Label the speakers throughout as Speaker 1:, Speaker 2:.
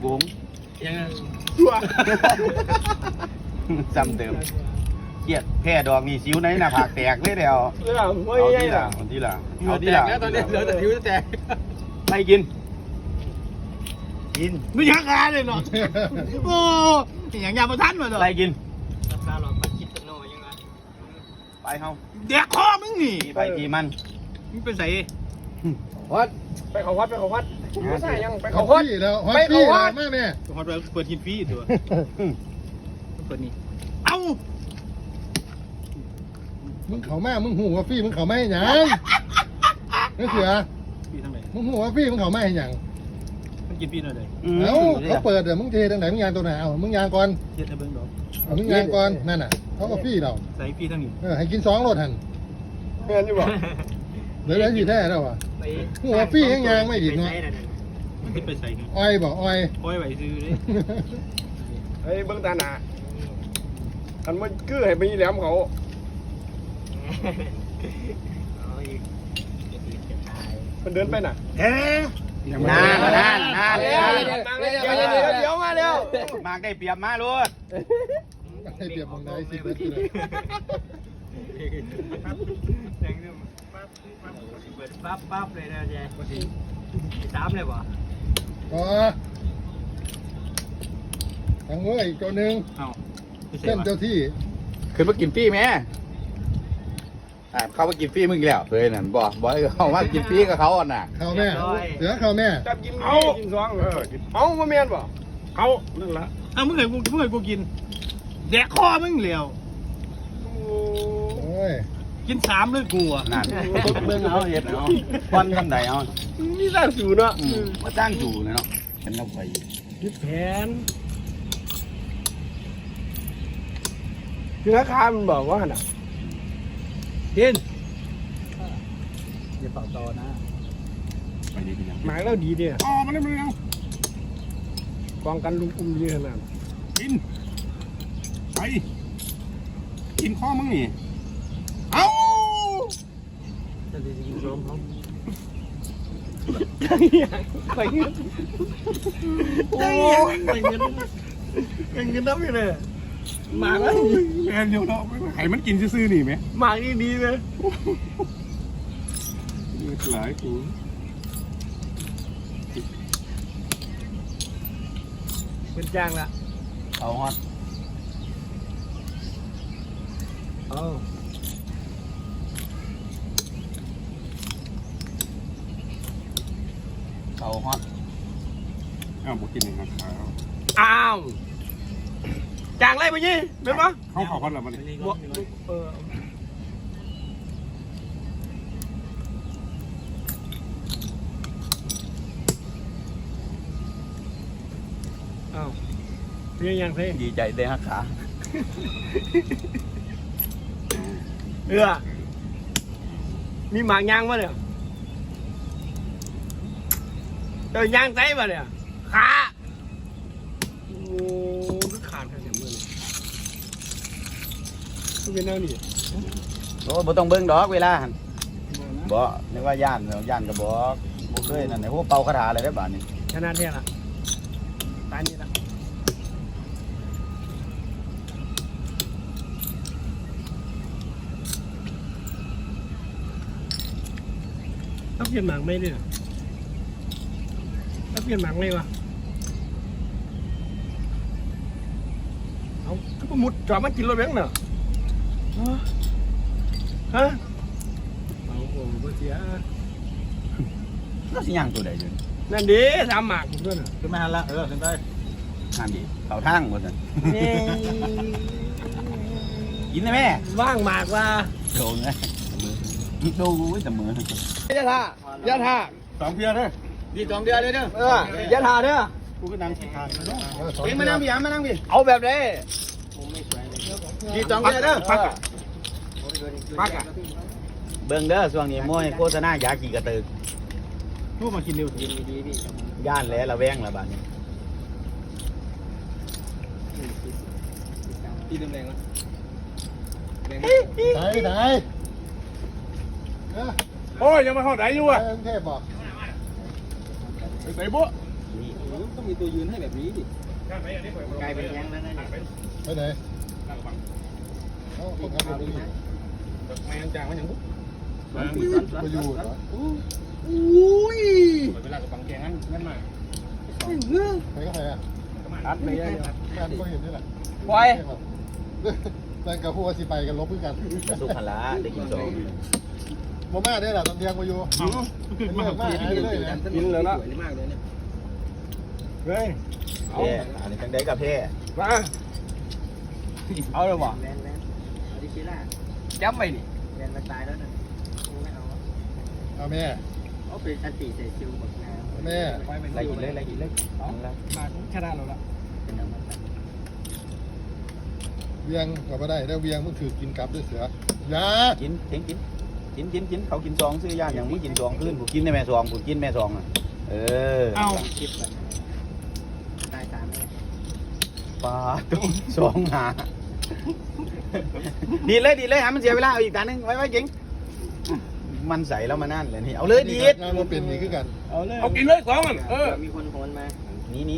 Speaker 1: บุ๋ม
Speaker 2: ยังไง
Speaker 1: จำเดิมเกียดแพ้ดอกนี่สิวในหน้าผากแตกเลยเดียวเอาที่หลังเอาที่หลังเอาที่หลัง
Speaker 2: ตอนนี้เหลือแต่ผิวแตก
Speaker 1: ไม่กิน
Speaker 3: ไม่ยักงานเลยเนาะโอ้อย่างยาประทันมาเลย
Speaker 1: อะไรกิน
Speaker 2: ราคาหลอกมาคิดกันหน่อยยังไง
Speaker 1: ไปเฮา
Speaker 3: เด็กคอมึงนี่
Speaker 1: ไปทีมัน
Speaker 3: มึงเป็นไส
Speaker 2: วัดไปเขาวัดไม่ใช่ยังไปเขา
Speaker 4: วั
Speaker 2: วัด
Speaker 4: แล้วไปเขาวัดแม่แม่
Speaker 3: ฮอตเปิดกินฟรีตัวเปิดนี่เอ้า
Speaker 4: มึงเขาแม่มึงหูว่าฟี่มึงเขาไม่ให้หยังนี่เสือมึงหูว่าฟี่มึงเขาไม่ให้หยัง
Speaker 3: มันกินฟรีหน่อยเลย
Speaker 4: เอ้าเขาเปิดเดี๋ยวมึงเทตรงไหนมึงยางตัวไหนเอามึงยางก่อน
Speaker 3: เทียบให้เบิ้งดอก
Speaker 4: มึงยางก่อนนั่นน่ะเขาก็ฟี่เรา
Speaker 3: ใส่ฟรีทั้งนี้
Speaker 4: ให้กิน2 รถหัน
Speaker 2: เงินอยู่บ่
Speaker 4: เดี๋ยวสิแท้แล้วว่ะหูว่าฟี่ยังยางไม่ดีเนาะ
Speaker 3: มันขึ้นไปใส่กัน
Speaker 4: อ้อยบอกอ้อย
Speaker 3: ไหวซื้อเลย
Speaker 2: เฮ้ยเบิ้งตาหนาอันมันคือให้ไปแหลมเขามันเดินไปน่ะ
Speaker 1: นานเ
Speaker 2: ดี๋ยวมาเร็ว
Speaker 1: มากได้เปรียบมาลูก
Speaker 4: ให้เปรียบมึงได้สิ
Speaker 3: เปิดปั๊บเลยนะเจ๊3เลยป่ะ
Speaker 4: อ๋อทางเว้ยอีกตัวนึงเส้นเจ้าที่
Speaker 1: ขึ้นมากินฟรีไหมเขามากินฟรีมึงแล้วเคยนั่นบอกให้เขามากินฟรีกับเขาอ่ะน่ะ
Speaker 4: เข้าแม่เสือเข้าแม่
Speaker 2: จับกินเอากิน2เอามาเมียนบ่
Speaker 3: เอานั่นละเอามึงเคยกูกินแดกคอมึงเหลียว
Speaker 4: โอ้ย
Speaker 3: กิน3เลยกูอ่ะ
Speaker 1: นั่นเบิ่งเอาเห็ดเอาควันทำใดเอา
Speaker 2: มีสร้างสูเนาะ
Speaker 1: มาตั้งอยู่เนาะฉันเอาไป
Speaker 3: ยึดแผน
Speaker 2: คือราคามันบอกว่าน่ะ
Speaker 3: กินอย่าเป่าตอนะ
Speaker 1: ไปดีดี
Speaker 2: หมายแล้วดีเนี่ย
Speaker 3: อ๋อมันได้มันยัง
Speaker 2: กองกันลุงอุ้มดีขนาด
Speaker 3: กินไปกินข้อมึงนี่เอาจะดีกินซ้อมเขา
Speaker 2: ไปเงิน
Speaker 3: โอ้ยไปเงินน้ำอยู่เลย
Speaker 2: มาแล้ว
Speaker 3: แอนเดียวเนาะไข่มันกินซื่อๆนี่ไหม
Speaker 2: มาดีเลย
Speaker 3: หลายกู
Speaker 2: เป็นจ้างละ
Speaker 1: เอาฮอตเอาฮอต
Speaker 3: บอกกินหนึ่งครับ
Speaker 2: อ้าวจ้างไรไปยี่เป็นปะ
Speaker 3: เขาขอฮอตหรอมัน
Speaker 2: อ้าวเพียงยังเพียง
Speaker 1: ดีใจได้ฮักขา
Speaker 2: มีหมากยางป่ะเนี่ยยางไต้ป่ะเนี่ยขาโอ้ขาดแค่เสียมือเลยเป็นแนวนี้
Speaker 1: โอ้บ่ต้องเบิ่งดอกเวลาบ่นึกว่าย่านก็บอกบ่เคยนั่นไหนพวกเป่าคาถาอะไรได้บ้านนี้
Speaker 2: ขนาดนี้ล่ะตายนี่ล่ะต้องเปลี่ยนหมากไหมเนี่ยต้องเปลี่ยนหมากไหมวะเอาก็มุดจอดมากินรถแบงค์เนาะฮะเอาโอ้โหเสีย
Speaker 1: ก็สิย่างตัวใดอยู่
Speaker 2: นั่นดิทำหมากด้วยน่ะ
Speaker 3: ขึ้นมาหันละขึ้นไป
Speaker 1: นั่นดิเขาทางหมดนั่นกินได้ไหม
Speaker 2: ว่างหมากว่า
Speaker 1: โดนไหมดูแต่มือย
Speaker 2: ะท่ายะท่า
Speaker 3: 2 เพียร์เลย
Speaker 2: ดี2 เดือนเลยเด้อยะท่าเด้อ
Speaker 3: กูก็นั่งทาน
Speaker 1: เอ็งมานั่งพี่มานั่งพี่
Speaker 2: เอาแบบนี้ดี2 เดือนเด้อปักอ่ะ
Speaker 1: เบิ่งเด้อช่วงนี้มวยโฆษณายากี่กระตึก
Speaker 3: พูดมากินเร็วดี
Speaker 2: พี่
Speaker 1: ย่านแล้วระแวงละบ้านนี้
Speaker 2: ตีแรงๆวะ
Speaker 4: ไหน
Speaker 3: โอ้ยยังมาเข้าไหนอยู่อ่ะ
Speaker 4: เทพบอก
Speaker 3: ใส่บุ๊ต้องมีตัวยืนให้แบบนี้ดิ
Speaker 2: กลายเป็นยังแล้วนะเนี่ย
Speaker 4: ไปไหนคนขับรถไป
Speaker 3: ไม่ยังจางมันยังบุ๊บ
Speaker 4: ไปอยู่เหรอ
Speaker 2: อุ้ย
Speaker 3: เวลากับบังแกงั้นงั้นมา
Speaker 4: ใครก็ใครอ่ะ
Speaker 3: อัดไม่ได้
Speaker 4: แฟนก็เห็นนี่แหละ
Speaker 2: ปล่อย
Speaker 4: แฟนกับผู้ว่าสิไปกันลบด้วยกัน
Speaker 1: กระสุกหันละได้กินสอง
Speaker 4: โมม่าได้แหละตอนเที่ยงมาอยู่เรื่องมากหายเลยนะ
Speaker 3: กินแล้วนะ
Speaker 2: มากเลยเนี่ย
Speaker 3: เฮ้ย
Speaker 1: แพ้อันนี้จังได้กับแพ้
Speaker 3: มาเอาเลยบ่
Speaker 2: แลนเอาดิชิล่า
Speaker 3: จับไปนี่
Speaker 2: แลนมาตายแล้วนะไม่เอา
Speaker 4: เอาแม่
Speaker 2: เอาเป็นอันตีใส่ซิลหมดนะ
Speaker 4: แม่
Speaker 1: ไล่กินเลยไล่กินเลย
Speaker 3: มาชนะเราละ
Speaker 2: เป็นเอามาตัด
Speaker 4: เวียงก็ไม่ได้ได้เวียงมึงถือกินกลับด้วยเสือยา
Speaker 1: กินเทงกินเขากินซองซื้อย่านอย่างมึงกินซองขึ้นกูกินในแม่ซองกูกินแม่ซองอ่ะ
Speaker 2: คิดก่อนตาย3เลย
Speaker 1: ปลาตุ้มซองหาดีเลยหามันเสียเวลาเอาอีกตานึงไว้เก่งมันใส่แล้วมานั่นเลยนี่เอาเลยดีด
Speaker 4: งานมาเป็นนี่คือกัน
Speaker 3: เอากินเลย2มัน
Speaker 2: มีคนโหนมา
Speaker 1: นี่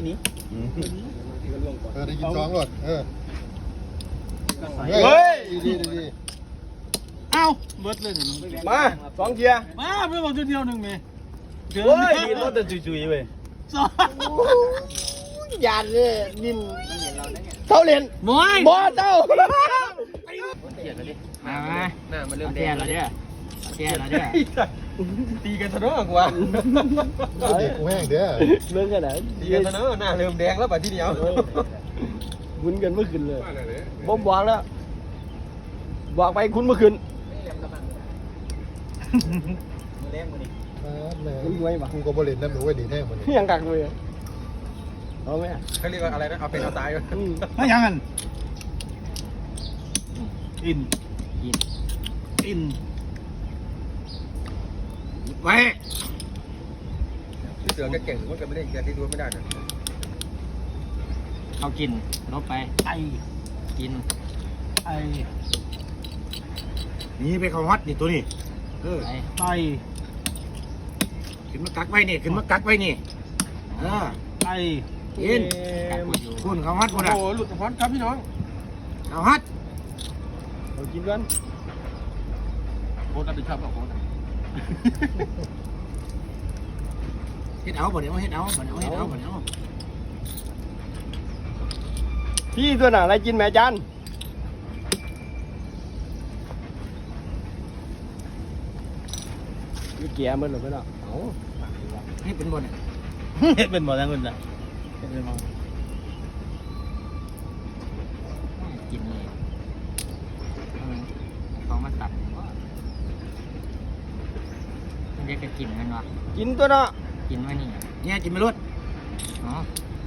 Speaker 4: ได้กิน2รถดี
Speaker 5: เอ้าเบิดเลยนี่
Speaker 3: มา2เกียร์
Speaker 5: มาเพื่อนบอกเดียวหนึ่งเมย์
Speaker 1: โอ้ยดีรถจะจุยๆเว้ย
Speaker 5: สอง
Speaker 2: ยานเลยนินมันเห็นเราเนี่ย
Speaker 3: เขาเรียน
Speaker 5: บอย
Speaker 3: บ่เจ้า
Speaker 2: เสียแล้วดิ
Speaker 5: มา
Speaker 2: หน้ามันเริ่ม
Speaker 5: เตี้ยแล้วเนี่ยเตี้ยแล้วเนี่ย
Speaker 3: ตีกันซะเนาะกว่า
Speaker 4: เด็กกูแห้งเด้อ
Speaker 3: เรื่องกันไหนตีกันซะเนาะหน้าเริ่มแดงแล้วป่ะทีเดียววุ้นกันเมื่อคืนเลยบ่บอกแล้วบอกไปคุณเมื่อคืน
Speaker 1: เล่มมือนี่
Speaker 4: กูก็บริเวณนั้นหนูไว้ดีแท้หมดเลย
Speaker 3: ยังกักเลยเอาไหมเขาเรียกว่าอะไรนะเอาเป็นเอาตายกัน
Speaker 5: ไม่ยังกันอินอินไว้
Speaker 3: เสือก็เก่งมันก็ไม่ได้แกที่ดูไม่ได้นะ
Speaker 5: เอากินลบไปไอกินไอ
Speaker 6: นี่ไปเขาฮอตนี่ตัวนี้
Speaker 5: ไป
Speaker 6: ขึ้นมากักไว้นี่ขึ้นมากักไว้นี่เออ
Speaker 5: ไอ
Speaker 6: กินคุณเขาฮอตคนอ่ะ
Speaker 3: โอ้หลุดสะพอนครับพี่น้อง
Speaker 6: เขาฮอต
Speaker 3: เรากินกันโคตรรับผิดชอบกับโคตร
Speaker 6: เฮ็ดเอาบ่เดี๋ยวเฮ็ดเอาบ่เดี๋ยวเฮ็ดเอาบ่เดี๋ยว
Speaker 3: พี่ตัวหนาอะไรกินแม่จันนี่เกียร์มันหรือเปล่าเอา
Speaker 6: ให้เป็นบ่เนี่ย
Speaker 5: เฮ็ดเป็นบ่ทั้งคนน่ะเฮ็ดเป็นบ่กินเลยเขามาตัดมันจะกินกันวะ
Speaker 3: กินตัวเนาะ
Speaker 5: กินไว้นี่
Speaker 6: เนี่ยกินไม่รด
Speaker 5: อ๋อ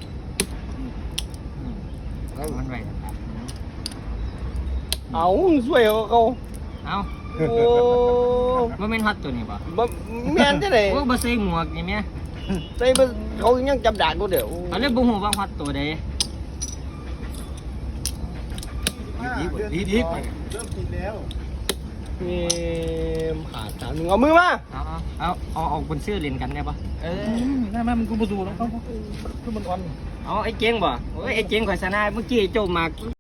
Speaker 5: มันไว้ตัด
Speaker 3: เอาสวยเขา
Speaker 5: เอ้า
Speaker 3: โอ้
Speaker 5: ว่าเป็นฮอตตัวนี้ป่ะ
Speaker 3: แม่นจะไหน
Speaker 5: โอ้บ่ใส่หมวกนี่แม่
Speaker 3: ใส่เขายังจับด่านกูเดี๋ยว
Speaker 5: เอาเลยบ่ฮู้ว่าฮอตตัวใด
Speaker 6: ดี
Speaker 4: เริ่มกินแล้ว
Speaker 3: มีขาด3 1เอามือมา
Speaker 5: เอาออกบนเสื้อเล่นกันได้ป่ะได้ไหมมันกูบ่สู้แล้วคือมันอ่อนเอาไอ้เจ๋งบ่โอ้ยไอ้เจ๋งข่อยชนะเมื่อกี้โจมมาก